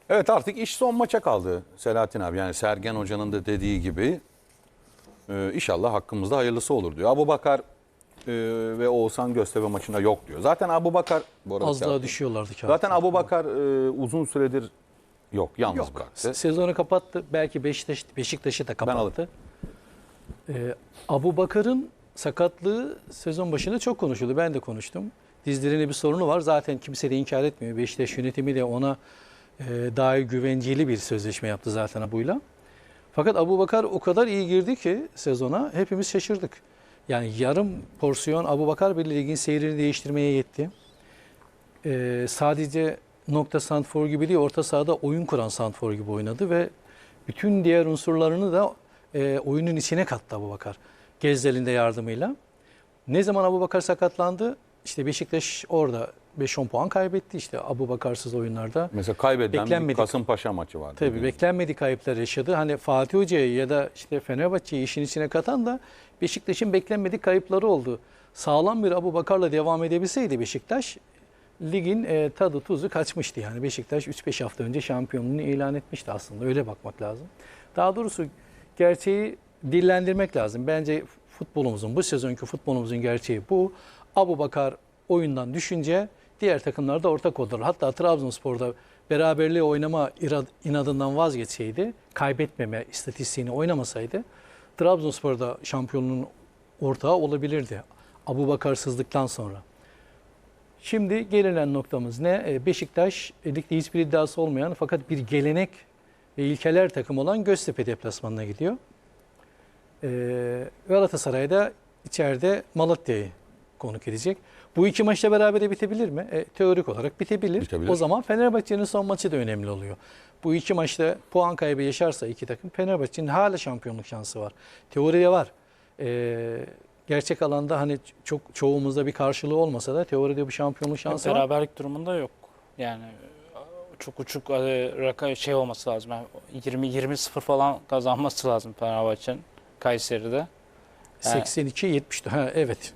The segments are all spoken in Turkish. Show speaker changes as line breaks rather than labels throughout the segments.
Evet, artık iş son maça kaldı Selahattin abi. Yani Sergen Hoca'nın da dediği gibi inşallah hakkımızda hayırlısı olur diyor. Abubakar ve Oğuzhan Göztepe maçında yok diyor. Zaten Abubakar bu arada
Az daha düşüyorlardı kağıtta.
zaten Abubakar uzun süredir yok, yalnız
Yok.
bıraktı.
Sezonu kapattı. Belki Beşiktaş'ı da kapattı. Abubakar'ın sakatlığı sezon başında çok konuşuldu. Ben de konuştum. Dizlerinde bir sorunu var. Zaten kimse de inkar etmiyor. Beşiktaş yönetimi de ona dair güvenceli bir sözleşme yaptı zaten Abu'yla. Fakat Abubakar o kadar iyi girdi ki sezona hepimiz şaşırdık. Yani yarım porsiyon Abubakar bile ligin seyrini değiştirmeye yetti. Sadece nokta santfor gibi değil, orta sahada oyun kuran santfor gibi oynadı ve bütün diğer unsurlarını da oyunun içine kattı Abubakar. Gezdel'in de yardımıyla. Ne zaman Abubakar sakatlandı? İşte Beşiktaş orada 5-10 puan kaybetti işte Abubakarsız oyunlarda.
Mesela kaybedilen bir
Beklenmedik.
Kasımpaşa maçı vardı.
Tabii beklenmedik kayıplar yaşadı. Hani Fatih Hoca'yı ya da işte Fenerbahçe'yi işin içine katan da Beşiktaş'ın beklenmedik kayıpları oldu. Sağlam bir Abubakar'la devam edebilseydi Beşiktaş ligin tadı tuzu kaçmıştı. Yani Beşiktaş 3-5 hafta önce şampiyonluğunu ilan etmişti aslında. Öyle bakmak lazım. Daha doğrusu gerçeği dillendirmek lazım. Bence futbolumuzun, bu sezonki futbolumuzun gerçeği bu. Abubakar oyundan düşünce diğer takımlar da ortak oldular. Hatta Trabzonspor'da beraberliğe oynama inadından vazgeçseydi, kaybetmeme istatistiğini oynamasaydı Trabzonspor'da şampiyonluğun ortağı olabilirdi. Abubakarsızlıktan sonra. Şimdi gelinen noktamız ne? Beşiktaş ligde hiçbir iddiası olmayan fakat bir gelenek ve ilkeler takımı olan Göztepe deplasmanına gidiyor. Galatasaray'da içeride Malatya'yı konuk edecek. Bu iki maçla beraber bitebilir mi? Teorik olarak bitebilir. O zaman Fenerbahçe'nin son maçı da önemli oluyor. Bu iki maçta puan kaybı yaşarsa iki takım Fenerbahçe'nin hala şampiyonluk şansı var. Teoride var. Gerçek alanda hani çok çoğumuzda bir karşılığı olmasa da teoride bir şampiyonluk şansı var.
Beraberlik durumunda yok. Yani çok uçuk şey olması lazım. Yani 20-0 falan kazanması lazım Fenerbahçe'nin Kayseri'de. Yani
82-70. Ha evet.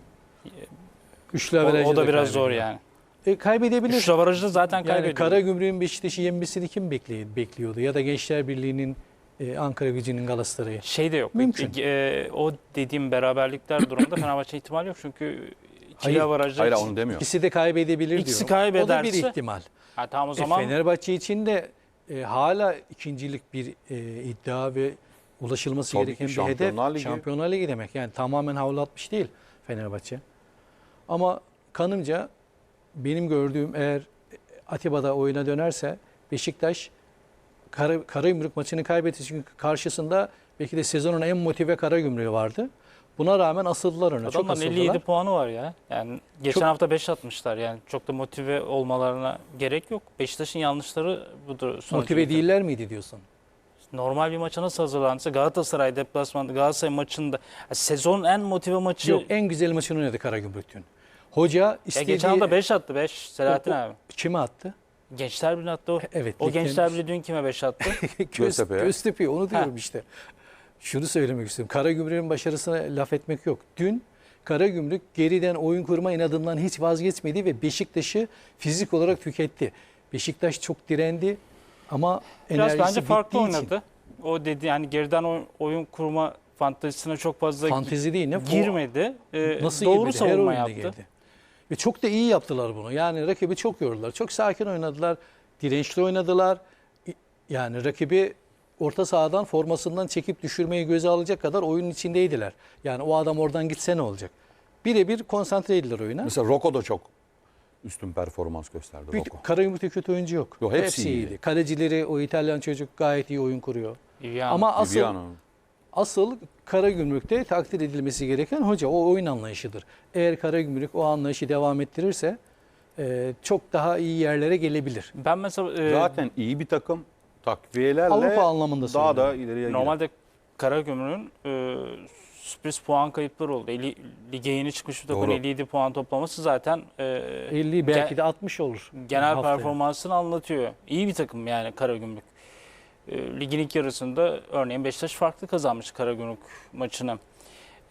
Üçlü
o
averajı
da biraz
kaybediyor.
zor yani.
Kaybedebilir.
Üçlü averajı zaten
Yani
kaybediyor.
Karagümrük'ün Beşiktaş'ı yenmesini kim bekliyordu? Ya da Gençler Birliği'nin Ankara Gücü'nün Galatasaray'ı.
Şey de yok.
Mümkün.
O dediğim beraberlikler durumunda Fenerbahçe ihtimal yok. Çünkü ikili averajı
Hayır, onu demiyor.
İkisi de kaybedebilir
İkisi
diyor.
kaybederse-
O da bir ihtimal.
tamam o zaman
Fenerbahçe için de hala ikincilik bir iddia ve ulaşılması
Tabii
gereken
ki
bir
Şampiyonlar
hedef.
Ligi.
Şampiyonlar Ligi demek. Yani tamamen havlu atmış değil Fenerbahçe. Ama kanımca benim gördüğüm eğer Atiba'da oyuna dönerse Beşiktaş Karagümrük maçını kaybetti. Çünkü karşısında belki de sezonun en motive Karagümrük'ü vardı. Buna rağmen asıldılar öne. Çok
adamların
asıldılar.
57 puanı var ya. Yani geçen
Çok-
hafta 5 atmışlar. Yani çok da motive olmalarına gerek yok. Beşiktaş'ın yanlışları budur. sonucu
Motive
getirdi.
değiller miydi diyorsun?
Normal bir maça nasıl hazırlansa Galatasaray deplasmanında Galatasaray maçında sezonun en motive maçı.
Yok, en güzel maçını oynadı Karagümrük'ün. Hoca
Ya
istediği...
geçen hafta 5 attı 5 Selahattin
O-
abi.
Kime attı?
Gençler Birliği attı o.
Evet.
O
ligden-
Gençler Birliği dün kime 5 attı?
Göztepe'ye.
Göztepe, onu diyorum işte. Şunu söylemek istiyorum. Karagümrük'ün başarısına laf etmek yok. Dün Karagümrük geriden oyun kurma inadından hiç vazgeçmedi ve Beşiktaş'ı fizik olarak tüketti. Beşiktaş çok direndi ama
Biraz
enerjisi
bence farklı
bittiği için.
oynadı. O dedi yani geriden oyun kurma fantezisine çok fazla
Fantezi değil ne?
girmedi.
Nasıl
Doğru
girmedi? Her
savunma
oyunda
yaptı.
girdi. Ve çok da iyi yaptılar bunu. Yani rakibi çok yordular. Çok sakin oynadılar. Dirençli oynadılar. Yani rakibi orta sahadan formasından çekip düşürmeyi göze alacak kadar oyunun içindeydiler. Yani o adam oradan gitse ne olacak? Birebir konsantreydiler oyuna.
Mesela Roko da çok üstün performans gösterdi. Roko.
Karagümrük'te kötü oyuncu yok.
Yok, hepsi iyiydi.
Kalecileri, o İtalyan çocuk gayet iyi oyun kuruyor.
Yani
Ama asıl
Viviano.
Karagümrük'te takdir edilmesi gereken hoca o oyun anlayışıdır. Eğer Karagümrük o anlayışı devam ettirirse çok daha iyi yerlere gelebilir.
ben mesela
Zaten iyi bir takım, takviyelerle
Avrupa anlamında
daha da
söylüyorum.
ileriye gider.
normalde Karagümrük'ün sürpriz puan kayıpları oldu. Lige yeni çıkmış bir takım
Doğru.
57 puan toplaması zaten
50 belki de 60 olur.
genel
haftaya.
performansını anlatıyor. İyi bir takım yani Karagümrük. Ligin ilk yarısında örneğin Beşiktaş farklı kazanmış Karagümrük maçını.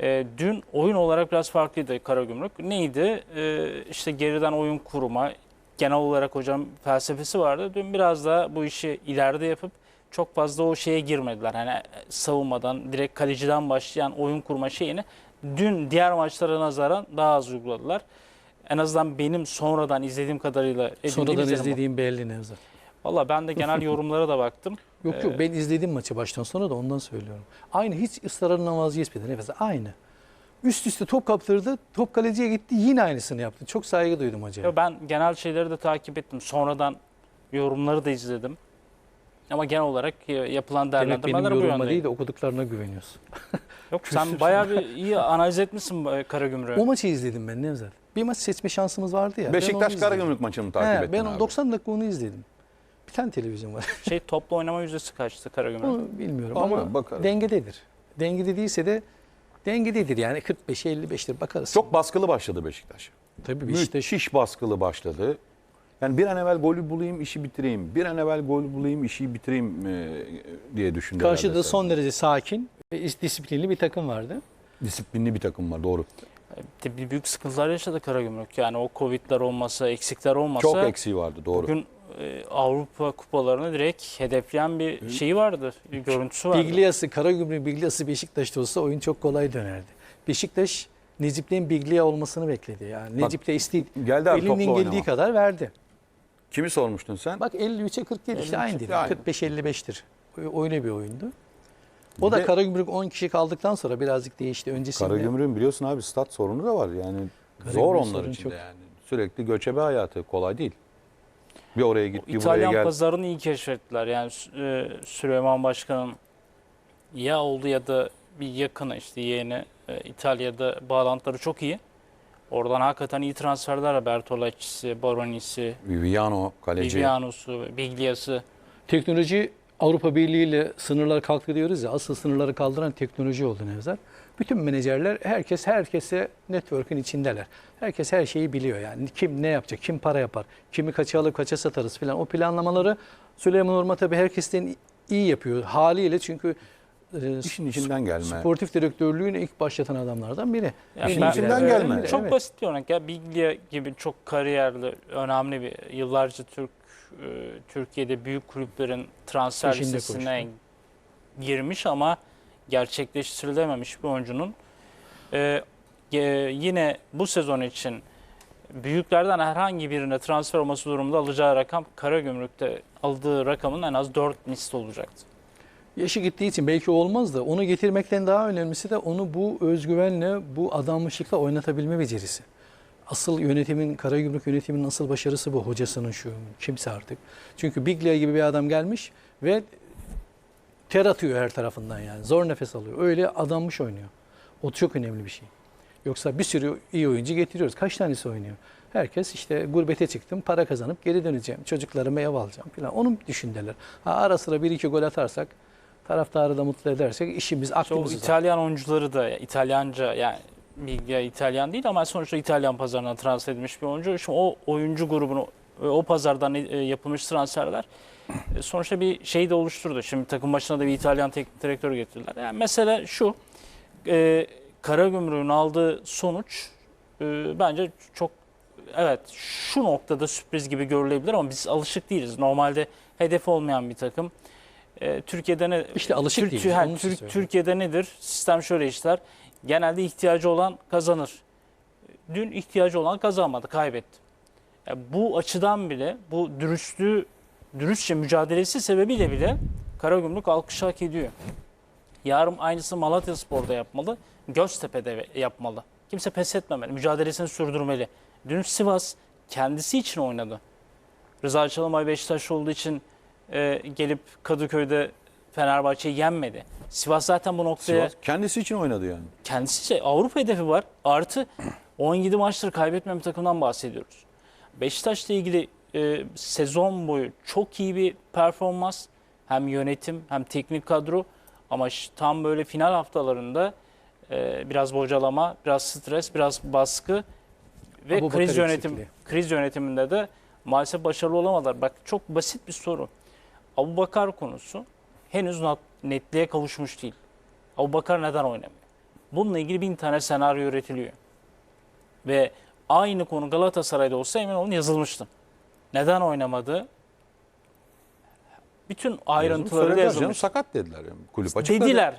Dün oyun olarak biraz farklıydı Karagümrük. Neydi? İşte geriden oyun kurma, genel olarak hocam felsefesi vardı. Dün biraz daha bu işi ileride yapıp çok fazla o şeye girmediler. Hani savunmadan, direkt kaleciden başlayan oyun kurma şeyini dün diğer maçlara nazaran daha az uyguladılar. En azından benim sonradan izlediğim kadarıyla
Sonradan izlediğim belli Nevzat.
Valla ben de genel yorumlara da baktım.
Yok ben izledim maçı baştan sona da ondan söylüyorum. Aynı hiç ısrarından vazgeçmedi nefes. Aynı. Üst üste top kaptırdı. Top kaleciye gitti. Yine aynısını yaptı. Çok saygı duydum hocaya.
Ben genel şeyleri de takip ettim. Sonradan yorumları da izledim. Ama genel olarak yapılan
Demek benim
değerlendirmeler bu
yorumuma
yönde.
değil de okuduklarına güveniyorsun.
Yok sen bayağı bir iyi analiz etmişsin Karagümrük'ü.
O maçı izledim ben Nevzat. Bir maç seçme şansımız vardı ya.
Beşiktaş Karagümrük maçını mı takip ettin
Ben
abi?
90 dakika onu izledim. Bir tane televizyon var.
Toplu oynama yüzdesi kaçtı Karagümrük?
Onu bilmiyorum
Ama
ama
bakarız.
dengededir. Dengede değilse de dengededir yani 45'e 55'tir bakarız.
Çok baskılı başladı Beşiktaş.
Tabii Beşiktaş
Müthiş baskılı başladı. Yani bir an evvel golü bulayım, işi bitireyim. Bir an evvel gol bulayım, işi bitireyim diye düşündü.
karşıda
herhalde
son derece sakin ve disiplinli bir takım vardı.
disiplinli bir takım var, doğru.
Bir büyük sıkıntılar yaşadı Karagümrük. Yani o Covid'ler olmasa, eksikler olmasa
Çok eksiği vardı, doğru.
bugün Avrupa kupalarını direkt hedefleyen bir şeyi vardı, bir görüntüsü vardı.
Biglia'sı, Karagümrük Biglia'sı Beşiktaş'ta olsa oyun çok kolay dönerdi. Beşiktaş Necip'ten Biglia olmasını bekledi. Yani Necip de
Geldi abi toplu
elinden geldiği
oynama.
kadar verdi.
Kimi sormuştun sen?
Bak 53'e 47 işte
53'e
aynı değil.
aynı.
45-55'tir. Öyle bir oyundu. O da
de-
Karagümrük 10 kişi kaldıktan sonra birazcık değişti. Öncesinde
Karagümrük'ün biliyorsun abi stat sorunu da var. Yani
Karagümrük
zor onlar
sorunu
için
çok.
de yani. Sürekli göçebe hayatı kolay değil. Bir oraya git, bir buraya
İtalyan
gel.
pazarını iyi keşfettiler. Yani Süleyman Başkan'ın ya oldu ya da bir yakını işte yeğeni İtalya'da bağlantıları çok iyi. Oradan hakikaten iyi transferler var. Bertolacci'si, Baronisi,
Viviano, kaleci.
Viviano'su, Biglia'sı.
teknoloji Avrupa Birliği ile sınırlar kalktı diyoruz ya. Asıl sınırları kaldıran teknoloji oldu Nevzat. Bütün menajerler herkese network'ün içindeler. Herkes her şeyi biliyor yani. Kim ne yapacak, kim para yapar, kimi kaça alıp kaça satarız filan. O planlamaları Süleyman Orma tabii herkesten iyi yapıyor haliyle çünkü
İşin içinden gelme.
sportif direktörlüğünü ilk başlatan adamlardan biri.
Yani
İşin
ben-
içinden
Öyle
gelme.
mi?
Çok
Evet.
basit bir örnek ya. Biglia gibi çok kariyerli, önemli bir yıllarca Türkiye'de büyük kulüplerin transfer
Peşinde
listesine girmiş ama gerçekleştirilememiş bir oyuncunun yine bu sezon için büyüklerden herhangi birine transfer olması durumunda alacağı rakam Karagümrük'te aldığı rakamın en az 4 misli olacaktı.
Yaşı gittiği için belki olmaz da onu getirmekten daha önemlisi de onu bu özgüvenle, bu adanmışlıkla oynatabilme becerisi. Asıl yönetimin, Karagümrük yönetiminin asıl başarısı bu. Hocasının şu, kimse artık. Çünkü Biglia gibi bir adam gelmiş ve ter atıyor her tarafından yani. Zor nefes alıyor. Öyle adanmış oynuyor. O çok önemli bir şey. Yoksa bir sürü iyi oyuncu getiriyoruz. Kaç tanesi oynuyor? Herkes işte gurbete çıktım, para kazanıp geri döneceğim. Çocuklarıma ev alacağım falan. Onun düşünceler. Ara sıra bir iki gol atarsak, taraftarı da mutlu edersek işimiz,
O
aklımız var.
İtalyan oyuncuları da İtalyanca yani Biglia İtalyan değil ama sonuçta İtalyan pazarına transfer edilmiş bir oyuncu. Şimdi o oyuncu grubunu o pazardan yapılmış transferler sonuçta bir şey de oluşturdu. Şimdi takım başına da bir İtalyan teknik direktör getirdiler. Yani mesela şu Karagümrük'ün aldığı sonuç bence çok evet şu noktada sürpriz gibi görülebilir ama biz alışık değiliz. Normalde hedef olmayan bir takım. Türkiye'de ne
İşte alışık değiliz, onun için söylüyorum.
Türkiye'de nedir? Sistem şöyle işler. Genelde ihtiyacı olan kazanır. Dün ihtiyacı olan kazanmadı, kaybetti. Bu açıdan bile bu dürüstçe mücadelesi sebebiyle bile Karagümrük alkış hak ediyor. Yarın aynısı Malatyaspor'da yapmalı, Göztepe'de yapmalı. Kimse pes etmemeli, mücadelesini sürdürmeli. Dün Sivas kendisi için oynadı. Rıza Çalınbay Beşiktaşlı olduğu için gelip Kadıköy'de Fenerbahçe'yi yenmedi. Sivas zaten bu noktaya
Sivas kendisi için oynadı yani.
kendisi Avrupa hedefi var. Artı 17 maçtır kaybetmeyen bir takımdan bahsediyoruz. Beşiktaş'la ilgili sezon boyu çok iyi bir performans. Hem yönetim hem teknik kadro. Ama tam böyle final haftalarında biraz bocalama, biraz stres, biraz baskı ve
Abubakar
kriz yönetiminde de maalesef başarılı olamadılar. Bak çok basit bir soru. Abubakar konusu henüz netliğe kavuşmuş değil. Abubakar neden oynamıyor? Bununla ilgili 1000 tane senaryo üretiliyor. Ve aynı konu Galatasaray'da olsa emin olun yazılmıştı. Neden oynamadı? Bütün ayrıntıları da
Söylediler
yazılmış.
canım, sakat dediler. Yani. Kulüp açıkladı.
Dediler.